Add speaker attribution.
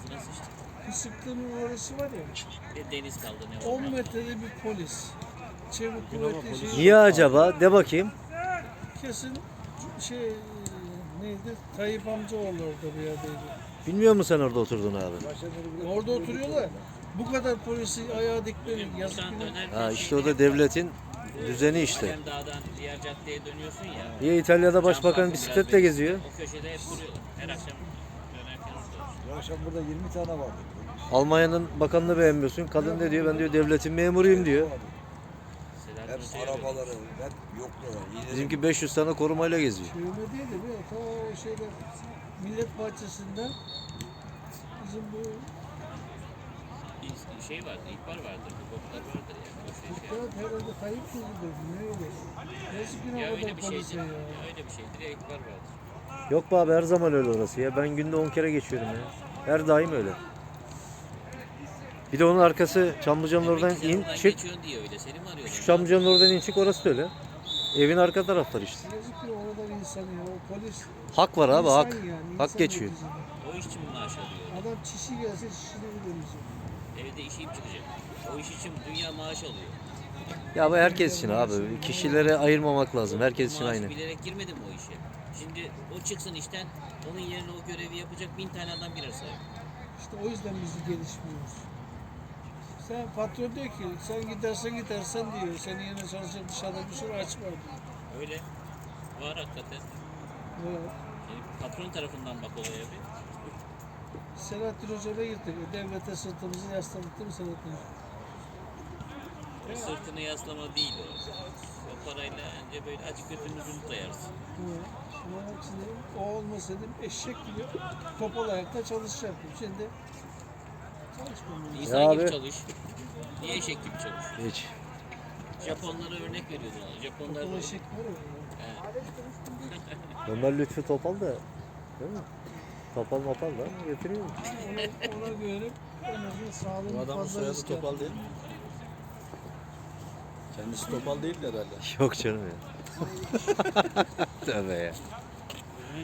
Speaker 1: Ağzına sıçtı.
Speaker 2: Kısıklığının orası var ya.
Speaker 1: Bir deniz kaldı ne
Speaker 2: 10
Speaker 1: oldu?
Speaker 2: metrede bir polis. Çevik kuvvetli şey.
Speaker 3: Niye acaba? De bakayım.
Speaker 2: Kesin şey neydi? Tayyip amcaoğlu orada bir yerdeydi.
Speaker 3: Bilmiyor musun sen orada oturduğunu abi?
Speaker 2: Orada oturuyorlar. Bu kadar polisi ayağa dikmenin yazık
Speaker 1: Buradan
Speaker 2: günah.
Speaker 1: dönerken
Speaker 3: Ha işte o da devletin düzeni işte.
Speaker 1: Hem dağdan diğer caddeye dönüyorsun ya.
Speaker 3: Niye İtalya'da
Speaker 1: Cam
Speaker 3: başbakan
Speaker 1: parkın
Speaker 3: bisikletle
Speaker 1: biraz
Speaker 3: geziyor?
Speaker 1: O köşede hep duruyorlar. Her akşam dönerken orada.
Speaker 4: Bu akşam burada 20 tane vardı.
Speaker 3: Almanya'nın bakanını beğenmiyorsun. Kadın ne diyor? Ben diyor devletin memuruyum diyor.
Speaker 1: Selahattin
Speaker 4: Hep
Speaker 1: Hoca'ya öyle.
Speaker 4: arabaları, hep yokluyorlar.
Speaker 3: Bizimki 500 tane korumayla geziyor.
Speaker 2: Çevirme değil de bir ta şeyde Millet Bahçesi'nden bizim bu
Speaker 1: Bir şey vardı, ihbar vardır, hukuklar vardır yani. O şey.
Speaker 2: Kağıt herhalde Tayyip kızıdır. Ne öyle? Yazık günah
Speaker 1: Ya
Speaker 2: o
Speaker 1: öyle
Speaker 2: kadar
Speaker 1: bir
Speaker 2: polise
Speaker 1: şeydi.
Speaker 2: ya.
Speaker 1: Ya öyle bir şeydir ya ihbar vardır.
Speaker 3: Yok be abi her zaman öyle orası ya. Ben günde 10 kere geçiyorum ya. Her daim öyle. Bir de onun arkası Çamlıca'nın oradan
Speaker 1: Demek ki sen
Speaker 3: in
Speaker 1: oradan
Speaker 3: çık.
Speaker 1: geçiyorsun diye öyle. Seni mi arıyorlar?
Speaker 3: Şu Çamlıca'nın oradan in çık orası da öyle. Evin arka tarafları işte.
Speaker 2: Yazık ki orada bir insan ya. O polis
Speaker 3: Hak var abi
Speaker 2: insan
Speaker 3: hak.
Speaker 2: yani,
Speaker 3: Hak
Speaker 2: insan
Speaker 3: geçiyor.
Speaker 2: neticede.
Speaker 1: O iş için mi maaş alıyor?
Speaker 2: Adam çişi gelse çişini bilemeyecek.
Speaker 1: Evde işim çıkacak. O iş için dünya maaş alıyor.
Speaker 3: Ya bu herkes için abi. Kişilere ayırmamak lazım. Herkes için
Speaker 1: Maaşı
Speaker 3: aynı.
Speaker 1: bilerek girmedim o işe. Şimdi o çıksın işten, onun yerine o görevi yapacak 1000 tane adam girer sahip.
Speaker 2: İşte o yüzden biz gelişmiyoruz. Sen patron diyor ki sen gidersen diyor. Senin yerine çalışacak dışarıda bir sürü aç var diyor.
Speaker 1: Öyle. Var hakikaten.
Speaker 2: Evet.
Speaker 1: Yani patron tarafından bak olaya bir.
Speaker 2: Selahattin Hoca'ya gittik. Devlete sırtımızı yasladık değil mi Selahattin Hoca?
Speaker 1: O sırtını yaslama değil o. O parayla önce böyle aç götünü dayarsın.
Speaker 2: Evet. Ama şimdi o olmasaydı eşek gibi topal ayakta çalışacaktım. Şimdi çalışmıyorum.
Speaker 1: İnsan
Speaker 3: Ya
Speaker 1: gibi
Speaker 3: abi.
Speaker 1: çalış. Niye eşek gibi çalış?
Speaker 3: Hiç.
Speaker 1: Japonlara örnek veriyordu ona. Japonlar
Speaker 2: Topal eşek var ya.
Speaker 3: Ömer Lütfü Topal da değil mi? Topal mopal da getiriyor.
Speaker 2: Ona güvenip en azından sağlığını
Speaker 4: Bu adamın
Speaker 2: fazla
Speaker 4: soyadı
Speaker 2: risk
Speaker 4: Topal değil mi? Kendisi Topal değil de herhalde.
Speaker 3: Yok canım ya. Tövbe ya.